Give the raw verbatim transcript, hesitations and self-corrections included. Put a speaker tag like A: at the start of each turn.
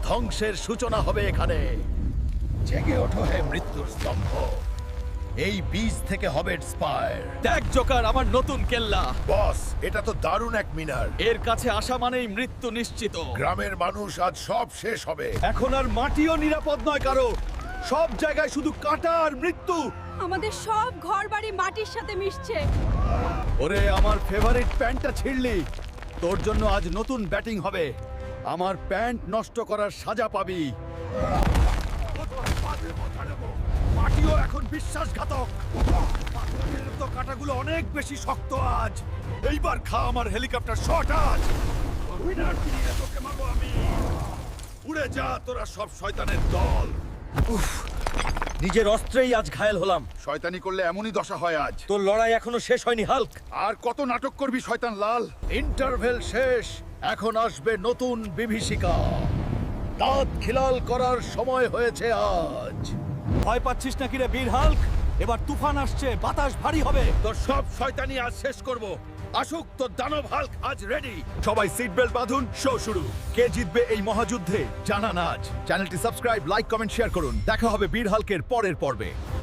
A: ধ্বংসের সূচনা হবে এখানে। জেগে ওঠো হে মৃত্যুর স্তম্ভ, এই বীজ থেকে হবে স্পায়ার।
B: দেখ জোকার, আমার নতুন কেল্লা।
A: বস, এটা তো দারুণ এক মিনার।
B: এর কাছে আসা মানেই মৃত্যু নিশ্চিত।
A: গ্রামের মানুষ আজ সব শেষ হবে।
B: এখন আর মাটিও নিরাপদ নয় কারো, সব জায়গায় শুধু কাঁটা আর মৃত্যু।
C: আমাদের সব ঘরবাড়ি মাটির সাথে মিশছে।
B: ওরে আমার ফেভারিট প্যান্টটা ছিঁড়লি, তোর জন্য আজ নতুন ব্যাটিং হবে। আমার প্যান্ট নষ্ট করার সাজা পাবি। মাটিও এখন বিশ্বাসঘাতক। পাথরের তো কাঁটাগুলো অনেক বেশি শক্ত আজ। এইবার খা আমার হেলিকপ্টার শট আজ। উইনার দিয়ে তোকে মারবো আমি। উড়ে যা তোরা সব শয়তানের দল। নিজের অস্ত্রেই আজ ঘায়েল হলাম।
A: শয়তানি করলে এমনই দশা হয় আজ।
B: তোর লড়াই এখনো শেষ হয়নি হাল্ক।
A: আর কত নাটক করবি শয়তান লাল?
B: ইন্টারভেল শেষ, এখন আসবে নতুন বিভীষিকা। দাঁত খিলাল করার সময় হয়েছে আজ। ভয় পাচ্ছিস নাকি রে বীর হাল্ক? এবার তুফান আসছে, বাতাস ভারী হবে।
A: তোর সব শয়তানি আজ শেষ করব। আসুক তোর দানব হাল্ক আজ রেডি।
B: সবাই সিট বেল্ট বাঁধুন, শো শুরু। কে জিতবে এই মহাযুদ্ধে জানান আজ। চ্যানেলটি সাবস্ক্রাইব, লাইক, কমেন্ট, শেয়ার করুন। দেখা হবে বীর হাল্কের পরের পর্বে।